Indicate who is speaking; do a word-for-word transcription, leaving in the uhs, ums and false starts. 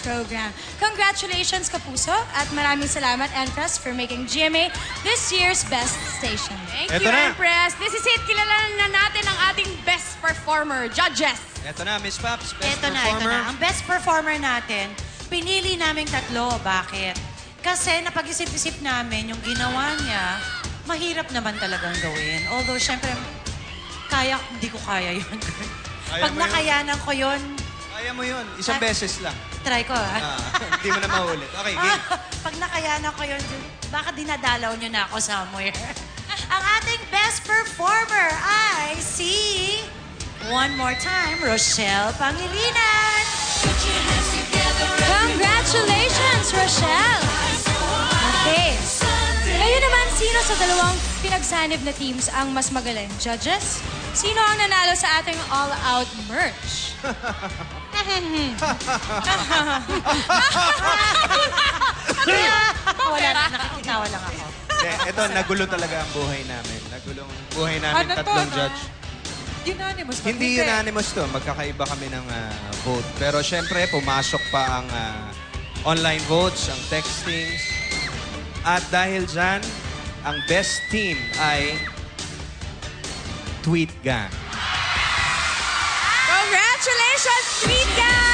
Speaker 1: program. Congratulations, Kapuso, at maraming salamat, Empress, for making G M A this year's best station.
Speaker 2: Thank
Speaker 3: Eto
Speaker 2: you,
Speaker 3: na.
Speaker 2: Empress. This is it. Kilalanan na natin ang ating best performer, judges.
Speaker 3: Eto na, Miss Paps, best
Speaker 4: Ito na, ito
Speaker 3: performer.
Speaker 4: na. Ang best performer natin, pinili naming tatlo. Bakit? Kasi napag-isip-isip namin yung ginawa niya, mahirap naman talagang gawin. Although, syempre, kaya, hindi ko kaya yun.
Speaker 3: Kaya
Speaker 4: Pag
Speaker 3: mo yun.
Speaker 4: nakayanan ko yun,
Speaker 3: Kaya mo yun, isang
Speaker 4: Ah.
Speaker 3: beses lang.
Speaker 4: try ko, ah.
Speaker 3: Ah, Hindi mo na maulit. Okay, game.
Speaker 4: Pag nakayanan ko yun, baka dinadalaw niyo na ako somewhere. Ang ating best performer ay si, one more time, Rochelle Pangilinan.
Speaker 1: Congratulations, Rochelle! Okay. Ngayon naman, sino sa dalawang pinagsanib na teams ang mas magaling? Judges? Sino ang nanalo sa ating all-out merch?
Speaker 4: Wala, nakikitawa lang ako.
Speaker 3: Hindi, ito, nagulo talaga ang buhay namin. Nagulo ang buhay namin,
Speaker 5: Ano to,
Speaker 3: tatlong
Speaker 5: no?
Speaker 3: judge.
Speaker 5: Unanimous ba?
Speaker 3: Hindi unanimous to. Magkakaiba kami ng ah, vote. Pero syempre, pumasok pa ang ah, online votes, ang textings. At dahil dyan, ang best team ay Tweet Gang.
Speaker 2: Congratulations, Tweet Gang!